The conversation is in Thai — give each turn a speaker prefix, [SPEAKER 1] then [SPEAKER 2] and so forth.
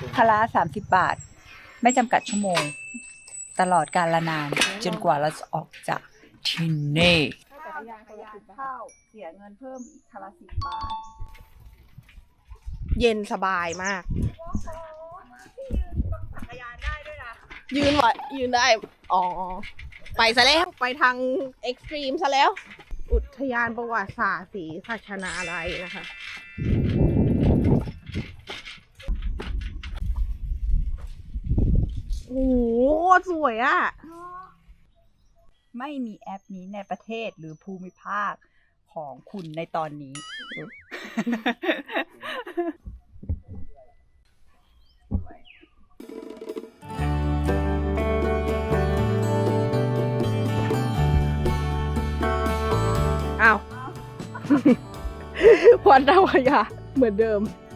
[SPEAKER 1] พละ30 บาท ไม่จำกัดชั่วโมง ตลอดกาลนาน จนกว่าเราจะออกจากที่นี่จักรยานเข้าเสียเงินเพิ่มอีกละ10 บาท
[SPEAKER 2] เย็นสบายมาก
[SPEAKER 1] จักรยานได้ด้วยนะ
[SPEAKER 2] ยืนไหวยืนได้ อ๋อ ไปซะแล้ว ไปทางเอ็กซ์ตรีมซะแล้ว อุทยานประวัติศาสตร์ศรีสัชนาลัยนะคะ โอ้โหสวยอ่ะ
[SPEAKER 1] ไม่มีแอปนี้ในประเทศหรือภูมิภาคของคุณในตอนนี้
[SPEAKER 2] อ้าว วันดาวขยะเหมือนเดิม